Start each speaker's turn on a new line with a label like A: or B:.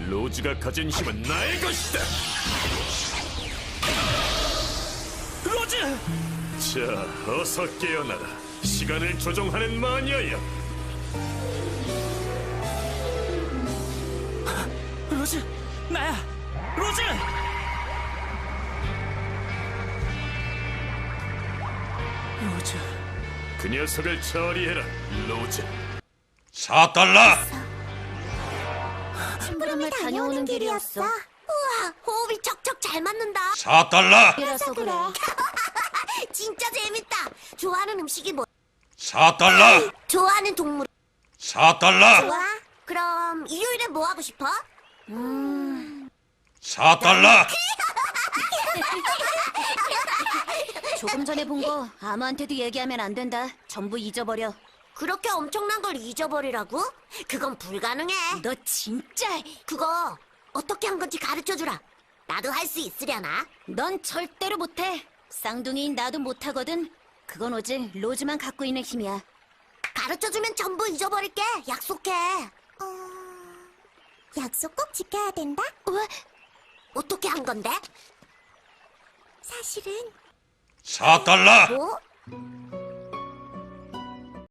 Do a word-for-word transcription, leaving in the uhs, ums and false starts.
A: 로즈가 가진 힘은 나의 것이다.
B: 로즈!
A: 자, 어서 깨어나라. 시간을 조종하는 마녀여.
B: 로즈! 나야! 로즈! 로즈...
A: 그 녀석을 처리해라, 로즈.
C: 사 달러!
D: 심부름을 다녀오는 길이었어.
E: 우와, 호흡이 척척 잘 맞는다.
C: 사 달러!
D: 그래서 그래.
E: 진짜 재밌다. 좋아하는 음식이 뭐?
C: 사 달러!
E: 좋아하는 동물?
C: 사 달러!
E: 좋아. 그럼 일요일에 뭐 하고 싶어?
C: 사 달러!
D: 조금 전에 본 거 아무한테도 얘기하면 안 된다. 전부 잊어버려.
E: 그렇게 엄청난 걸 잊어버리라고? 그건 불가능해.
D: 너 진짜...
E: 그거 어떻게 한 건지 가르쳐주라. 나도 할 수 있으려나?
D: 넌 절대로 못해. 쌍둥이인 나도 못하거든. 그건 오직 로즈만 갖고 있는 힘이야.
E: 가르쳐주면 전부 잊어버릴게. 약속해.
F: 어... 약속 꼭 지켜야 된다?
E: 왜? 어떻게 한 건데?
F: 사실은
C: 사 달러!
E: 뭐?